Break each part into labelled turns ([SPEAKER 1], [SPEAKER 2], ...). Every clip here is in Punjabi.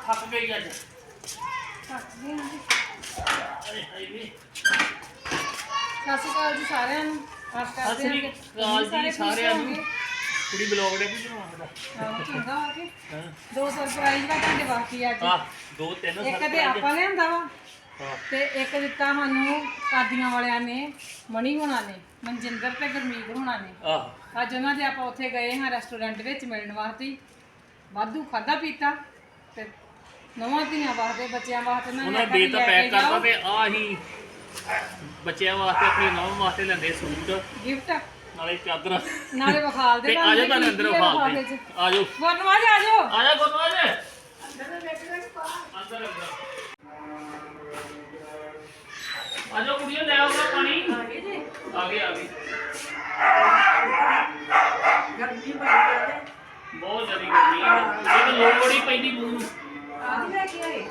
[SPEAKER 1] ਥੱਕ ਗਈ ਅੱਜ।
[SPEAKER 2] ਥੱਕ ਗਏ ਹਾਂ ਜੀ।
[SPEAKER 1] ਅਰੇ ਹਾਏ ਵੇ।
[SPEAKER 2] ਸਤਿ ਸ਼੍ਰੀ ਅਕਾਲ ਜੀ ਸਾਰਿਆਂ ਨੂੰ। ਆਸ ਕਰਦੇ ਹਾਂ
[SPEAKER 1] ਸਤਿ ਸ਼੍ਰੀ ਅਕਾਲ ਜੀ ਸਾਰਿਆਂ ਨੂੰ। ਕੁੜੀ ਬਲੌਗ ਦੇ ਵੀ ਬਣਾਉਂਦਾ।
[SPEAKER 2] ਹਾਂ ਚੰਗਾ ਆ ਕੇ
[SPEAKER 1] ਹਾਂ।
[SPEAKER 2] ਦੋ ਸਰਪ੍ਰਾਈਜ਼ ਦਾ ਤੁਹਾਡੇ ਵਾਸਤੇ ਅੱਜ।
[SPEAKER 1] ਆ ਦੋ ਤਿੰਨ
[SPEAKER 2] ਇੱਕ ਤੇ ਆਪਾਂ ਲਿਆਂਦਾ ਵਾ
[SPEAKER 1] ਹਾਂ।
[SPEAKER 2] ਤੇ ਇੱਕ ਦਿੱਤਾ ਸਾਨੂੰ ਕਾਦੀਆਂ ਵਾਲਿਆਂ ਨੇ, ਮਣੀ ਹੋਣਾ ਨੇ, ਮਨਜਿੰਦਰ ਤੇ ਗੁਰਮੀਤ ਹੋਣਾ ਨੇ।
[SPEAKER 1] ਆਹ
[SPEAKER 2] ਅੱਜ ਉਹਨਾਂ ਦੇ ਆਪਾਂ ਉੱਥੇ ਗਏ ਹਾਂ ਰੈਸਟੋਰੈਂਟ ਵਿੱਚ ਮਿਲਣ ਵਾਸਤੇ। ਵਾਧੂ ਖਾਦਾ ਪੀਤਾ ਤੇ ਨਵਾਂ ਧੀਆਂ ਵਾਸਤੇ, ਬੱਚਿਆਂ ਵਾਸਤੇ
[SPEAKER 1] ਉਹਨਾਂ ਦੇ ਤਾਂ ਪੈਕ ਕਰਤਾ ਤੇ ਆ ਹੀ ਬੱਚਿਆਂ ਵਾਸਤੇ ਆਪਣੀ ਨੌਂ ਵਾਸਤੇ ਲੈਂਦੇ ਸੂਟ
[SPEAKER 2] ਗਿਫਟ
[SPEAKER 1] ਨਾਲੇ ਚਾਦਰ
[SPEAKER 2] ਨਾਲੇ ਵਿਖਾਲ ਦੇ
[SPEAKER 1] ਤੇ ਆ ਜਾਓ ਤੁਹਾਨੂੰ ਅੰਦਰ ਵਿਖਾਲ ਦੇ। ਆ ਜਾਓ
[SPEAKER 2] ਗੁਰਨਵਾਜ ਆ ਜਾਓ।
[SPEAKER 1] ਆ ਜਾ ਗੁਰਨਵਾਜ
[SPEAKER 2] ਅੰਦਰ
[SPEAKER 1] ਅੰਦਰ ਆ ਜਾਓ ਕੁੜੀਓ ਲੈ ਆਓ ਪਾਣੀ।
[SPEAKER 2] ਆ ਗਏ ਜੀ।
[SPEAKER 1] ਆ ਗਏ
[SPEAKER 2] ਗਰਮੀ ਬੜੀ ਹੈ
[SPEAKER 1] ਬਹੁਤ ਜ਼ਿਆਦਾ ਗਰਮੀ ਹੈ। ਇਹ ਤਾਂ ਲੋੜ ਹੀ ਪੈਂਦੀ ਮੂੰਹ ਨੂੰ।
[SPEAKER 2] ਆ ਲੈ ਕੇ ਆਏ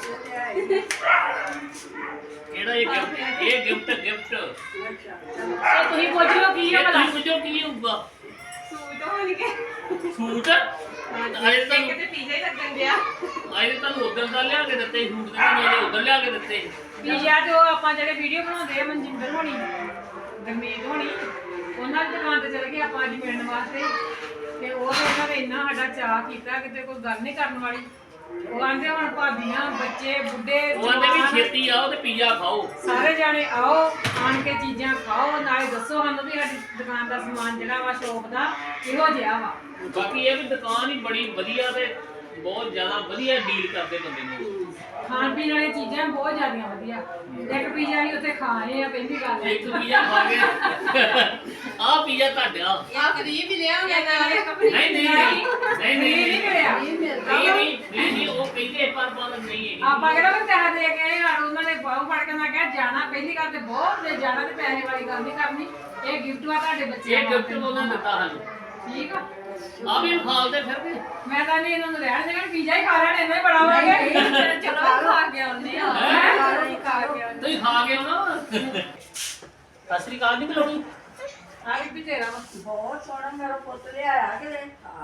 [SPEAKER 1] ਕਿਹੜਾ ਇਹ ਗਿਫਟ ਗਿਫਟ
[SPEAKER 2] ਤੇ ਤੁਸੀਂ ਪੁੱਛ ਲਓ ਕੀ ਹੈ ਭਲਾ।
[SPEAKER 1] ਤੁਸੀਂ ਪੁੱਛੋ ਕੀ ਹੋਊਗਾ।
[SPEAKER 2] ਸੂਟ ਹੋਣਗੇ।
[SPEAKER 1] ਸੂਟ ਅਜੇ ਤੁਹਾਨੂੰ
[SPEAKER 2] ਕਿਤੇ ਪੀਜ਼ਾ ਹੀ ਲੱਗਣ ਗਿਆ।
[SPEAKER 1] ਅਜੇ ਤੁਹਾਨੂੰ ਉਧਰ ਦਾ ਲਿਆ ਕੇ ਦਿੱਤੇ ਸੂਟ ਦੇ ਨਾਲ ਉਧਰ ਲਿਆ ਕੇ ਦਿੱਤੇ।
[SPEAKER 2] ਪੀਜ਼ਾ ਤੇ ਉਹ ਆਪਾਂ ਜਿਹੜੇ ਵੀਡੀਓ ਬਣਾਉਂਦੇ ਆ ਮਨਜਿੰਦਰ ਹੋਣੀ, ਗਰਮੀਤ ਹੋਣੀ, ਉਹਨਾਂ ਦੀ ਦੁਕਾਨ ਤੇ ਚਲੇ ਗਏ ਆਪਾਂ ਅੱਜ ਮਿਲਣ ਵਾਸਤੇ। ਤੇ ਉਹ ਤੇ ਉਹਨਾਂ ਨੇ ਇੰਨਾ ਸਾਡਾ ਚਾਅ ਕੀਤਾ ਕਿਤੇ ਕੋਈ ਗੱਲ ਨਹੀਂ ਕਰਨ ਵਾਲੀ। ਉਹ ਆਂਦੇ ਹੁਣ ਭਾਬੀਆਂ, ਬੱਚੇ, ਬੁੱਢੇ,
[SPEAKER 1] ਉਹ ਆਂਦੇ ਵੀ ਛੇਤੀ ਆਓ ਤੇ ਪੀਜ਼ਾ ਖਾਓ।
[SPEAKER 2] ਸਾਰੇ ਜਾਣੇ ਆਓ, ਆਣ ਕੇ ਚੀਜ਼ਾਂ ਖਾਓ, ਨਾਲੇ ਦੱਸੋ ਸਾਨੂੰ ਵੀ ਸਾਡੀ ਦੁਕਾਨ ਦਾ ਸਮਾਨ ਜਿਹੜਾ ਵਾ ਸ਼ੋਪ ਦਾ ਕਿਹੋ ਜਿਹਾ ਵਾ।
[SPEAKER 1] ਬਾਕੀ ਇਹ ਵੀ ਦੁਕਾਨ ਹੀ ਬੜੀ ਵਧੀਆ ਤੇ ਬਹੁਤ ਜ਼ਿਆਦਾ ਵਧੀਆ ਡੀਲ ਕਰਦੇ ਬੰਦੇ ਨੂੰ।
[SPEAKER 2] ਖਾਣ ਪੀਣ ਵਾਲੀਆਂ ਚੀਜ਼ਾਂ ਬਹੁਤ ਜ਼ਿਆਦੀਆਂ ਵਧੀਆ। ਇੱਕ ਪੀਜ਼ਾ ਹੀ ਉੱਥੇ ਖਾ ਆਏ ਆ ਪਹਿਲੀ ਗੱਲ।
[SPEAKER 1] ਇੱਕ ਪੀਜ਼ਾ ਖਾ ਕੇ ਆਹ ਪੀਜ਼ਾ ਤੁਹਾਡਾ।
[SPEAKER 2] ਆ ਕਰੀਬ ਹੀ ਲਿਆ ਹੋਇਆ ਨਾਲ ਇੱਕ
[SPEAKER 1] ਨਹੀਂ ਨਹੀਂ ਨਹੀਂ
[SPEAKER 2] ਨਹੀਂ ਮਿਲਿਆ।
[SPEAKER 1] ਨਹੀਂ ਉਹ ਕਹਿੰਦੇ ਪਰ ਨਹੀਂ ਹੈ।
[SPEAKER 2] ਆਪਾਂ ਕਿਹੜਾ ਵੀ ਪੈਸੇ ਦੇ ਕੇ ਆਏ ਉਹਨਾਂ ਨੇ ਬਾਹੂ ਫੜ ਕੇ ਮੈਂ ਕਿਹਾ ਜਾਣਾ ਪਹਿਲੀ ਗੱਲ ਤੇ ਬਹੁਤ ਦੇ ਜਾਣਾ ਤੇ ਪੈਸੇ ਵਾਲੀ ਗੱਲ ਨਹੀਂ ਕਰਨੀ। ਇਹ ਗਿਫਟ ਆ ਤੁਹਾਡੇ ਬੱਚੇ
[SPEAKER 1] ਇਹ ਗਿਫਟ ਉਹਨਾਂ ਨੇ ਦਿੱਤਾ ਸਾਨੂੰ।
[SPEAKER 2] ਠੀਕ ਆ।
[SPEAKER 1] ਆ ਵੀ ਖਾਲਦੇ ਫਿਰ ਵੀ
[SPEAKER 2] ਮੈਂ ਤਾਂ ਨਹੀਂ ਇਹਨਾਂ ਨੂੰ ਰਹਿਣ ਦੇਣਾ, ਪੀਜ਼ਾ ਹੀ ਖਾ ਲੈਣ ਇੰਨਾ ਹੀ ਬੜਾ ਹੋ ਗਿਆ। ਚਲੋ ਖਾ ਕੇ ਆਉਂਦੇ ਆ।
[SPEAKER 1] ਤੁਸੀਂ ਖਾ ਕੇ ਆਉਣਾ। ਸਤਿ ਸ੍ਰੀ ਅਕਾਲ ਨਹੀਂ ਬੁਲਾਉਣੀ।
[SPEAKER 2] ਆ ਵੀ ਤੇਰਾ ਵਾ।
[SPEAKER 3] ਬਹੁਤ ਸੋਹਣਾ ਮੇਰਾ ਪੁੱਤ ਲਿਆਇਆ ਕਿ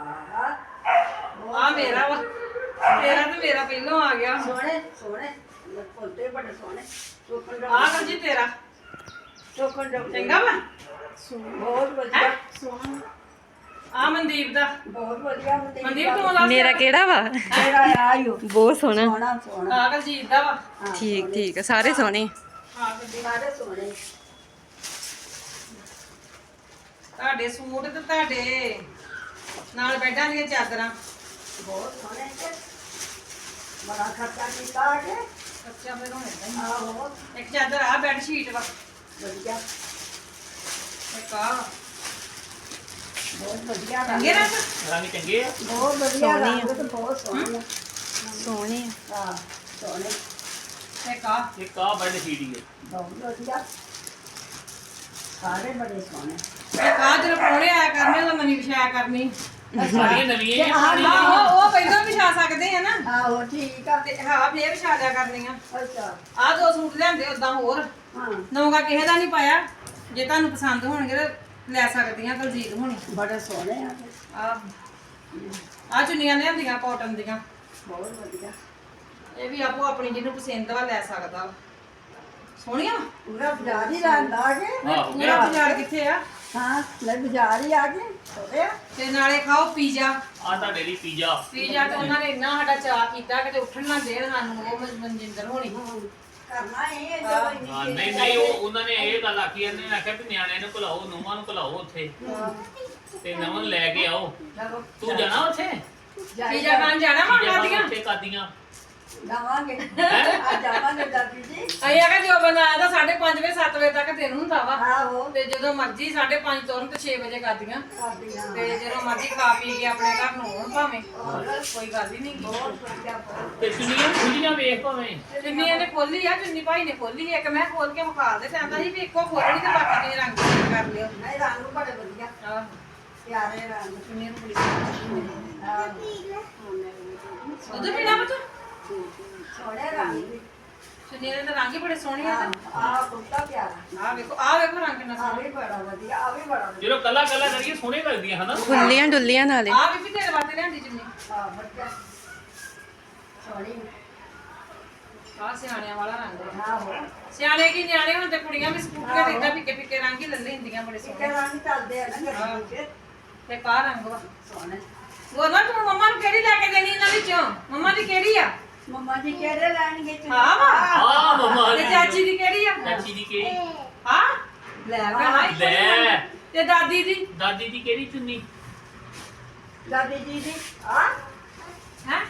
[SPEAKER 2] ਆ ਮੇਰਾ ਵਾ। ਤੇਰਾ ਤੇ ਮੇਰਾ ਪਹਿਲੋਂ ਆ ਗਿਆ।
[SPEAKER 3] ਸੋਹਣੇ ਸੋਹਣੇ ਪੁੱਤੇ ਬੜੇ ਸੋਹਣੇ ਚੋਕਣ
[SPEAKER 2] ਆ ਕਰ ਜੀ ਤੇਰਾ
[SPEAKER 3] ਚੋਕਣ
[SPEAKER 2] ਚੰਗਾ ਵਾ।
[SPEAKER 3] ਬਹੁਤ ਵਧੀਆ
[SPEAKER 2] ਸੋਹਣਾ। ਆ ਮਨਦੀਪ ਦਾ।
[SPEAKER 3] ਬਹੁਤ ਵਧੀਆ
[SPEAKER 2] ਮਨਦੀਪ ਤੂੰ ਦੱਸ
[SPEAKER 4] ਮੇਰਾ ਕਿਹੜਾ ਵਾ?
[SPEAKER 3] ਤੇਰਾ ਆਇਓ
[SPEAKER 4] ਬਹੁਤ ਸੋਹਣਾ।
[SPEAKER 3] ਸੋਹਣਾ ਸੋਹਣਾ
[SPEAKER 2] ਆ ਗਲਜੀਤ ਦਾ ਵਾ।
[SPEAKER 4] ਠੀਕ ਠੀਕ ਆ, ਸਾਰੇ ਸੋਹਣੇ।
[SPEAKER 2] ਆ ਗੱਡੀ
[SPEAKER 3] ਸਾਰੇ ਸੋਹਣੇ
[SPEAKER 2] ਤੁਹਾਡੇ ਸੂਟ ਤੇ ਤੁਹਾਡੇ ਨਾਲ ਬੈਡਾਂ ਦੀਆਂ ਚਾਦਰਾਂ
[SPEAKER 3] ਬਹੁਤ ਸੋਹਣੇ ਬੜਾ ਖਰਚਾ ਕੀਤਾ ਕਿ
[SPEAKER 2] ਅੱਛਾ ਫਿਰ ਹੁਣ ਏਦਾਂ ਹੀ।
[SPEAKER 3] ਆਹੋ
[SPEAKER 2] ਇੱਕ ਚਾਦਰ ਆ ਬੈੱਡ ਸ਼ੀਟ ਵਾ।
[SPEAKER 3] ਵਧੀਆ
[SPEAKER 2] ਇੱਕ ਆ
[SPEAKER 3] ਬਹੁਤ ਵਧੀਆ
[SPEAKER 2] ਚੰਗੇ ਰੰਗ।
[SPEAKER 1] ਰੰਗ ਚੰਗੇ ਆ।
[SPEAKER 3] ਬਹੁਤ ਵਧੀਆ ਰੰਗ ਤੇ ਬਹੁਤ ਸੋਹਣੇ
[SPEAKER 4] ਸੋਹਣੇ ਆ।
[SPEAKER 3] ਹਾਂ ਸੋਹਣੇ
[SPEAKER 2] ਇੱਕ ਆ
[SPEAKER 1] ਇੱਕ ਆ ਬੈਡ ਸ਼ੀਟ ਹੀ ਹੈ।
[SPEAKER 3] ਬਹੁਤ ਵਧੀਆ ਸਾਰੇ ਬੜੇ ਸੋਹਣੇ
[SPEAKER 2] ਇੱਕ ਆ ਜਦੋਂ ਪ੍ਰਾਹੁਣੇ ਆਇਆ ਕਰਨੇ ਉਹਦਾ ਮਨੀ ਵਿਛਾਇਆ ਕਰਨੀ।
[SPEAKER 1] ਸਾਰੀਆਂ ਨਵੀਆਂ ਹੀ ਆ।
[SPEAKER 2] ਆਹੋ ਉਹ ਪਹਿਲਾਂ ਵਿਛਾ ਸਕਦੇ ਆ ਨਾ
[SPEAKER 3] ਆਹੋ ਠੀਕ ਆ
[SPEAKER 2] ਤੇ ਹਾਂ ਫੇਰ ਵਿਛਾ ਦਿਆ ਕਰਨੀਆਂ।
[SPEAKER 3] ਅੱਛਾ
[SPEAKER 2] ਆ ਦੋ ਸੂਟ ਲਿਆਂਦੇ ਉਦਾਂ ਹੋਰ
[SPEAKER 3] ਹਾਂ
[SPEAKER 2] ਨੌਗਾ ਕਿਸੇ ਦਾ ਨਹੀਂ ਪਾਇਆ। ਜੇ ਤੁਹਾਨੂੰ ਪਸੰਦ ਹੋਣਗੇ ਤਾਂ ਲੈ ਸਕਦੀਆਂ ਦਲਜੀਤ ਹੋਣੀ।
[SPEAKER 3] ਬੜੇ ਸੋਹਣੇ ਆ
[SPEAKER 2] ਆ ਚੁੰਨੀਆਂ ਲਿਆਂਦੀਆਂ ਕਾਟਨ ਦੀਆਂ।
[SPEAKER 3] ਬਹੁਤ ਵਧੀਆ
[SPEAKER 2] ਇਹ ਵੀ ਆਪੋ ਆਪਣੀ ਜਿਹਨੂੰ ਪਸੰਦ ਵਾ ਲੈ ਸਕਦਾ ਵਾ। ਸੋਹਣੀਆਂ ਵਾ।
[SPEAKER 3] ਪੂਰਾ ਬਾਜ਼ਾਰ ਹੀ ਰਹਿੰਦਾ ਆ ਕੇ
[SPEAKER 1] ਆਹੋ
[SPEAKER 2] ਪੂਰਾ ਬਾਜ਼ਾਰ ਕਿੱਥੇ ਆ।
[SPEAKER 3] ਹਾਂ ਲੈ ਬਾਜ਼ਾਰ ਹੀ ਆ ਕੇ ਸੋਹਣੇ ਆ
[SPEAKER 2] ਤੇ ਨਾਲੇ ਖਾਓ ਪੀਜ਼ਾ।
[SPEAKER 1] ਆ ਤੁਹਾਡੇ ਲਈ ਪੀਜ਼ਾ।
[SPEAKER 2] ਪੀਜ਼ਾ ਤੇ ਉਹਨਾਂ ਨੇ ਇੰਨਾ ਸਾਡਾ ਚਾਅ ਕੀਤਾ ਕਿ ਉੱਠਣ ਨਾ ਦੇਣ ਸਾਨੂੰ ਉਹ ਮਨਜਿੰਦਰ ਹੋਣੀ।
[SPEAKER 3] ਕਰਨਾ ਇਹ ਜਦੋਂ
[SPEAKER 1] ਹਾਂ
[SPEAKER 3] ਇੰਨੀ
[SPEAKER 1] ਨਹੀਂ ਨਹੀਂ ਉਹਨਾਂ ਨੇ ਇਹ ਗੱਲ ਆਖੀ ਇਹਨੇ ਆਖਿਆ ਵੀ ਨਿਆਣਿਆਂ ਨੂੰ ਭੁਲਾਓ ਨੂੰਹਾਂ ਨੂੰ ਭੁਲਾਓ ਉੱਥੇ ਤੇ ਨਵਾਂ ਨੂੰ ਲੈ ਕੇ ਆਓ।
[SPEAKER 3] ਚਲੋ
[SPEAKER 1] ਤੂੰ ਜਾਣਾ ਉੱਥੇ
[SPEAKER 2] ਪੀਜ਼ਾ ਖਾਣ ਜਾਣਾ ਵਾ
[SPEAKER 1] ਪੀਜ਼ਾ
[SPEAKER 2] ਖਾਦੀਆਂ।
[SPEAKER 1] ਉੱਥੇ ਕਾਦੀਆਂ
[SPEAKER 3] ਜਾਵਾਂਗੇ ਆ ਜਾਵਾਂਗੇ ਦਾਦੀ ਜੀ
[SPEAKER 2] ਅਸੀਂ ਆਖਿਆ ਜੋ ਬਣਾਇਆ ਤਾਂ 5:30 ਵਜੇ 7 ਵਜੇ ਤੱਕ ਦਿਨ ਹੁੰਦਾ ਵਾ।
[SPEAKER 3] ਆਹੋ
[SPEAKER 2] ਤੇ ਜਦੋਂ ਮਰਜ਼ੀ 5:30 ਤੁਰਨ ਤੇ 6 ਵਜੇ ਕਰਦੀਆਂ।
[SPEAKER 3] ਕਰਦੀਆਂ
[SPEAKER 2] ਤੇ ਜਦੋਂ ਮਰਜ਼ੀ ਖਾ ਪੀ ਕੇ ਆਪਣੇ ਘਰ ਨੂੰ ਆਉਣ ਭਾਵੇਂ ਕੋਈ ਗੱਲ ਹੀ ਨਹੀਂ।
[SPEAKER 3] ਬਹੁਤ ਵਧੀਆ ਬਹੁਤ
[SPEAKER 1] ਤੇ ਚੁੰਨੀਆਂ ਖੁੱਲੀਆਂ ਵੇਖ ਭਾਵੇਂ।
[SPEAKER 2] ਚੁੰਨੀ ਇਹਨੇ ਖੋਲੀ ਆ, ਚੁੰਨੀ ਭਾਈ ਨੇ ਖੋਲੀ ਇੱਕ ਮੈਂ ਖੋਲ ਕੇ ਵਿਖਾ ਦੇ ਕਹਿੰਦਾ ਸੀ ਵੀ ਇੱਕੋ ਖੋਲਣੀ ਤੇ ਬਾਕੀ ਦੇ ਰੰਗ ਕਰ ਲਿਓ।
[SPEAKER 3] ਨਹੀਂ ਰੰਗ ਬੜੇ ਵਧੀਆ
[SPEAKER 2] ਆਹ
[SPEAKER 3] ਪਿਆਰੇ ਰੰਗ
[SPEAKER 2] ਚੁੰਨੀ ਨੂੰ ਬੜੀ ਸੋਹਣੀ।
[SPEAKER 3] ਆਹ
[SPEAKER 2] ਉਧਰ ਪੀਣਾ ਬੱਚਾ
[SPEAKER 3] ਸੋਹਣੇ ਰੰਗ ਵੀ
[SPEAKER 2] ਚੁੰਨੀ ਦੇ ਤਾਂ ਰੰਗ ਹੀ ਬੜੇ ਸੋਹਣੇ ਆ।
[SPEAKER 3] ਆ ਕੁੱਤਾ ਪਿਆਰਾ
[SPEAKER 2] ਆਹ ਵੇਖੋ ਰੰਗ ਕਿੰਨਾ
[SPEAKER 3] ਆ
[SPEAKER 2] ਸੋਹਣਾ।
[SPEAKER 3] ਵੀ ਬੜਾ ਵਧੀਆ ਆ ਵੀ ਬੜਾ ਵਧੀਆ
[SPEAKER 1] ਜਦੋਂ ਕੱਲਾ ਕੱਲਾ ਕਰੀਏ ਸੋਹਣੇ ਲੱਗਦੀਆਂ ਹਨਾ।
[SPEAKER 4] ਖੁੱਲੀਆਂ ਡੁੱਲੀਆਂ ਨਾਲੇ।
[SPEAKER 2] ਆਹ ਵੀ ਤੇਰੇ ਵਾਸਤੇ ਲਿਆਂਦੀ ਚੁੰਨੀ।
[SPEAKER 3] ਆ ਵਧੀਆ ਸੋਹਣੀ
[SPEAKER 2] ਆਹ ਸਿਆਣਿਆਂ ਵਾਲਾ ਰੰਗ ਹੈ।
[SPEAKER 3] ਆਹੋ
[SPEAKER 2] ਸਿਆਣੇ ਕੀ ਨਿਆਣੇ ਹੁਣ ਤੇ ਕੁੜੀਆਂ ਵੀ ਸਕੂਟਰ ਤੇ ਇਦਾਂ ਫਿੱਕੇ ਫਿੱਕੇ ਰੰਗ ਹੀ ਲੈ ਲੈਂਦੀਆਂ ਬੜੇ
[SPEAKER 3] ਕਿਤੇ
[SPEAKER 2] ਸੋਹਣੇ
[SPEAKER 3] ਰੰਗ ਚੱਲਦੇ ਆ ਨਾ ਗੱਡੀ ਵਿੱਚ
[SPEAKER 2] ਤੇ ਕਾਹ ਰੰਗ ਵਾ
[SPEAKER 3] ਸੋਹਣੇ
[SPEAKER 2] ਬੋਲਣਾ ਤੂੰ ਮੰਮਾ ਨੂੰ ਕਿਹੜੀ ਲੈ ਕੇ ਦੇਣੀ ਇਹਨਾਂ ਵਿੱਚੋਂ ਮੰਮਾ ਦੀ ਕਿਹੜੀ ਆ
[SPEAKER 3] ਮੰਮਾ ਜੀ ਕਿਹੜੇ ਲੈਣਗੇ ਚੁੰਨੀ?
[SPEAKER 2] ਹਾਂ ਵਾ
[SPEAKER 1] ਆ ਮਮਾ
[SPEAKER 2] ਤੇ ਚਾਚੀ ਦੀ ਕਿਹੜੀ ਆ
[SPEAKER 1] ਚਾਚੀ ਦੀ ਕਿਹੜੀ
[SPEAKER 2] ਹਾਂ ਲੈ ਭੈਣਾ ਇੱਕੋ ਹੀ
[SPEAKER 1] ਲੈ
[SPEAKER 2] ਆ। ਤੇ ਦਾਦੀ ਦੀ
[SPEAKER 1] ਦਾਦੀ ਦੀ ਕਿਹੜੀ ਚੁੰਨੀ
[SPEAKER 3] ਦਾਦੀ ਜੀ ਦੀ ਆ
[SPEAKER 2] ਹੈ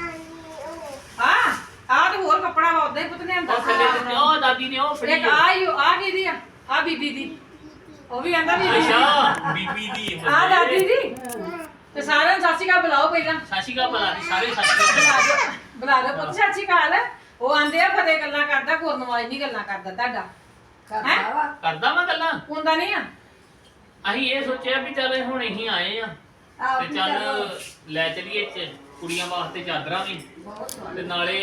[SPEAKER 2] ਹਾਂ ਆਹ ਤੇ ਹੋਰ ਕੱਪੜਾ ਵਾ ਉਦਾਂ ਹੀ ਪੁੱਤ ਨੇ
[SPEAKER 1] ਉਹ
[SPEAKER 2] ਅੰਦਰ
[SPEAKER 1] ਥੱਲੇ ਤੇ ਉਹ ਦਾਦੀ ਨੇ ਉਹ ਫੜੀ
[SPEAKER 2] ਇੱਕ ਆ ਕਿਹਦੀ ਆ ਆ ਬੀਬੀ ਦੀ ਉਹ ਵੀ ਆਂਦਾ ਬੀਬੀ ਦੀ
[SPEAKER 1] ਅੱਛਾ ਬੀਬੀ ਦੀ
[SPEAKER 2] ਆ ਦਾਦੀ ਦੀ ਤੇ ਸਾਰਿਆਂ ਨੂੰ ਸਤਿ ਸ਼੍ਰੀ ਅਕਾਲ ਬੁਲਾਓ ਪਹਿਲਾਂ
[SPEAKER 1] ਸਾਸ਼ੀ ਕਾ ਬੁਲਾ ਦੀ ਸਾਰੇ ਸਾਸ਼ੀ
[SPEAKER 2] ਬੁਲਾ ਦਿਓ ਪੁੱਤ ਸਤਿ ਸ਼੍ਰੀ ਅਕਾਲ ਉਹ ਆਂਦੇ ਆ ਫਤਿਹ ਗੱਲਾਂ ਕਰਦਾ ਗੁਰਨਵਾਜ ਨਹੀਂ ਗੱਲਾਂ ਕਰਦਾ ਤੁਹਾਡਾ
[SPEAKER 3] ਕਰਦਾ ਵਾ
[SPEAKER 1] ਕਰਦਾ ਮੈਂ ਗੱਲਾਂ
[SPEAKER 2] ਹੁੰਦਾ ਨਹੀਂ ਆ
[SPEAKER 1] ਅਸੀਂ ਇਹ ਸੋਚਿਆ ਵੀ ਚੱਲ ਹੁਣ ਅਸੀਂ ਆਏ ਆ
[SPEAKER 3] ਆਹ
[SPEAKER 1] ਤੇ ਚੱਲ ਲੈ ਚਲੀਏ ਕੁੜੀਆਂ ਵਾਸਤੇ ਚਾਦਰਾਂ ਵੀ ਤੇ ਨਾਲੇ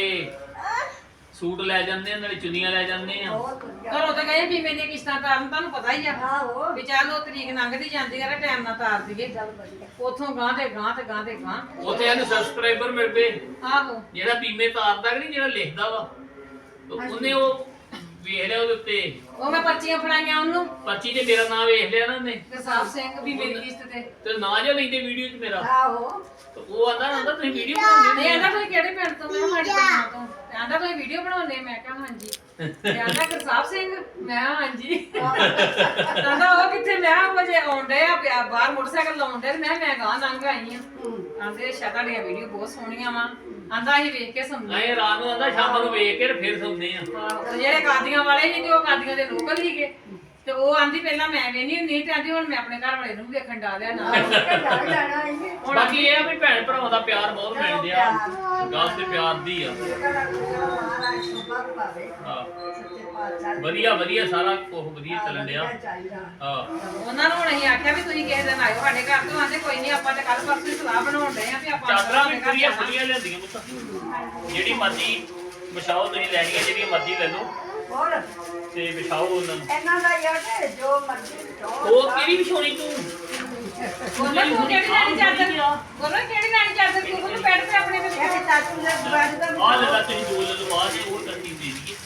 [SPEAKER 1] ਸੂਟ ਲੈ ਜਾਂਦੇ ਆ ਨਾਲੇ ਚੁੰਨੀਆਂ ਲੈ ਜਾਂਦੇ ਆ
[SPEAKER 3] ਬਹੁਤ ਵਧੀਆ
[SPEAKER 2] ਘਰੋਂ ਤਾਂ ਗਏ ਬੀਮੇ ਦੀਆਂ ਕਿਸ਼ਤਾਂ ਤਾਰਨ ਤੁਹਾਨੂੰ ਪਤਾ ਹੀ ਆ
[SPEAKER 3] ਆਹੋ
[SPEAKER 2] ਵੀ ਚੱਲ ਉਹ ਤਰੀਕ ਲੰਘਦੀ ਜਾਂਦੀ ਆ ਟਾਈਮ ਨਾਲ ਤਾਰ ਦਈਏ
[SPEAKER 3] ਚੱਲ ਵਧੀਆ
[SPEAKER 2] ਉਥੋਂ ਗਾਂ ਤੇ ਗਾਂ ਤੇ ਗਾਂ ਤੇ ਗਾਂ
[SPEAKER 1] ਉੱਥੇ ਇਹਨੂੰ ਸਬਸਕ੍ਰਾਈਬਰ ਮਿਲ ਪਏ
[SPEAKER 2] ਆਹੋ
[SPEAKER 1] ਜਿਹੜਾ ਬੀਮੇ ਤਾਰਦਾ ਕਿ ਨਹੀਂ ਜਿਹੜਾ ਲਿਖਦਾ ਵਾ ਤੇ ਉਹਨੇ ਉਹ ਵੇਖ ਲਿਆ ਉਹਦੇ ਉੱਤੇ
[SPEAKER 2] ਉਹ ਮੈਂ ਪਰਚੀਆਂ ਫੜਾਈਆਂ ਉਹਨੂੰ
[SPEAKER 1] ਪਰਚੀ ਤੇ ਮੇਰਾ ਨਾਮ ਵੇਖ ਲਿਆ ਨਾ ਉਹਨੇ
[SPEAKER 2] ਗਰਸਾਬ ਸਿੰਘ ਵੀ ਮੇਰੀ ਕਿਸ਼ਤ ਤੇ
[SPEAKER 1] ਤੇ ਨਾਂ ਜਿਹਾ ਲੈਂਦੇ ਵੀਡੀਓ 'ਚ ਮੇਰਾ
[SPEAKER 3] ਆਹੋ
[SPEAKER 1] ਤੇ ਉਹ ਆਂਦਾ ਤੁਸੀਂ ਵੀਡੀਓ ਬਣਾਉਂਦੇ
[SPEAKER 2] ਨਹੀਂ ਆਂਦਾ ਤੁਸੀਂ ਕਿਹੜੇ ਪਿੰਡ ਤੋਂ ਮੈਂ ਮਾੜੀ ਪਿੰਡ ਤੋਂ ਤੇ ਆਂਦਾ ਤੁਸੀਂ ਵੀਡੀਓ ਬਣਾਉਂਦੇ ਮੈਂ ਕਿਹਾ ਹਾਂਜੀ ਤੇ ਆਂਦਾ ਗਰਸਾਬ ਸਿੰਘ ਮੈਂ ਕਿਹਾ ਹਾਂਜੀ ਆਂਦਾ ਉਹ ਕਿੱਥੇ ਮੈਂ ਕਿਹਾ ਵਜੇ ਆਉਂਦੇ ਆ ਬਾਹਰ ਮੋਟਰਸਾਈਕਲ ਲਾਉਂਦੇ ਤੇ ਮੈਂ ਗਾਂ ਲੰਘ ਆਈ ਆ ਆਂਦੇ ਸ਼ਾ ਤੁਹਾਡੀਆਂ ਵੀਡੀਓ ਬਹੁਤ ਸੋਹਣੀਆਂ ਵਾ ਆਂਦਾ ਅਸੀਂ ਵੇਖ ਕੇ ਸੁਣਦੇ
[SPEAKER 1] ਨਹੀਂ ਰਾਤ ਨੂੰ ਆਂਦਾ ਸ਼ਾਮ ਨੂੰ ਵੇਖ ਕੇ ਤੇ ਫਿਰ ਸੌਂਦੇ ਆ
[SPEAKER 2] ਤੇ ਜਿਹੜੇ ਕਾਦੀਆਂ ਵਾਲੇ ਸੀ ਤੇ ਉਹ ਕਾਦੀਆਂ ਦੇ ਲੋਕਲ ਸੀਗੇ ਤੇ ਉਹ ਆਂਦੀ ਪਹਿਲਾਂ ਮੈਂ ਵੇਖਣੀ ਹੁੰਦੀ ਤੇ ਆਂਦੀ ਹੁਣ ਮੈਂ ਆਪਣੇ ਘਰ ਵਾਲੇ ਨੂੰ ਵੀ ਵੇਖਣ ਡਾਲਿਆ ਨਾਲ
[SPEAKER 3] ਜਾ ਜਾਣਾ ਇਹ
[SPEAKER 1] ਬਾਕੀ ਇਹ ਆ ਵੀ ਭੈਣ ਭਰਾਵਾਂ ਦਾ ਪਿਆਰ ਬਹੁਤ ਮਿਲਦੇ ਆ ਗੱਲ ਤੇ ਪਿਆਰ ਦੀ ਆ
[SPEAKER 3] ਮਹਾਰਾਜ ਸੁਭਾਗ ਪਾਵੇ
[SPEAKER 1] ਹਾਂ
[SPEAKER 3] ਸੱਚੇ ਪਾਤਸ਼ਾਹ
[SPEAKER 1] ਵਧੀਆ ਵਧੀਆ ਸਾਰਾ ਕੁਝ ਵਧੀਆ ਚੱਲਣ ਡਿਆ
[SPEAKER 3] ਚਾਹੀਦਾ
[SPEAKER 1] ਹਾਂ
[SPEAKER 2] ਉਹਨਾਂ ਨੂੰ ਹੁਣ ਅਸੀਂ ਆਖਿਆ ਵੀ ਤੁਸੀਂ ਕਿਸੇ ਦਿਨ ਆਇਓ ਸਾਡੇ ਘਰ ਤੋਂ ਆਂਦੇ ਕੋਈ ਨਹੀਂ ਆਪਾਂ ਤੇ ਕੱਲ ਪਰਸੋਂ ਹੀ ਸਲਾਹ ਬਣਾਉਣ ਡਏ ਆ ਵੀ ਆਪਾਂ
[SPEAKER 1] ਚਾਦਰਾਂ ਵੀ
[SPEAKER 2] ਆਪਣੇ ਘਰ
[SPEAKER 1] ਪੂਰੀਆਂ
[SPEAKER 2] ਜਾਣਾ।
[SPEAKER 1] ਖੁੱਲੀਆਂ ਲਿਆਂਦੀਆਂ ਪੁੱਤ ਜਿਹੜੀ ਮਰਜ਼ੀ ਵਿਛਾਓ ਤੁਸੀਂ ਲੈਣੀਆਂ ਜਿਹੜੀਆਂ ਮਰਜ਼ੀ ਲੈ ਲਓ
[SPEAKER 3] ਹੋਰ
[SPEAKER 1] ਤੇ ਵਿਛਾਓ ਉਹਨਾਂ ਨੂੰ
[SPEAKER 3] ਇਹਨਾਂ ਦਾ ਯਾਰ ਤੇ ਜੋ ਮਰਜ਼ੀ ਜੋ
[SPEAKER 1] ਉਹ ਕਿਹੜੀ ਵਿਛਾਉਣੀ ਤੂੰ
[SPEAKER 2] ਬੋਲੋ ਤੂੰ ਕਿਹੜੀ ਲੈਣੀ ਚਾਦਰ ਬੋਲੋ ਕਿਹੜੀ ਲੈਣੀ ਚਾਦਰ ਤੂੰ ਉਹਨੂੰ ਬੈਠ ਤੇ ਆਪਣੇ ਤੇ
[SPEAKER 3] ਇਹ ਚਾਚੂ ਦੇ ਬੈਠ ਦਾ
[SPEAKER 1] ਆਹ ਲੈ ਲਾ ਤੁਸੀਂ ਦੋ ਲੈ ਲਓ ਆਹ ਤੇ ਉਹ ਕਰਤੀ ਦੇ ਦਈਏ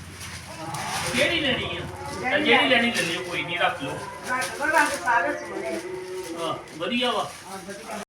[SPEAKER 1] ਕਿਹੜੀ ਲੈਣੀ ਆ ਤਾਂ ਜਿਹੜੀ ਲੈਣੀ ਲੈ ਲਿਓ ਕੋਈ ਨਹੀਂ ਰੱਖ ਲਓ
[SPEAKER 3] ਰੰਗ ਸਾਰੇ ਸੋਹਣੇ
[SPEAKER 1] ਹਾਂ ਵਧੀਆ ਵਾ
[SPEAKER 3] ਆ ਵਧੀਆ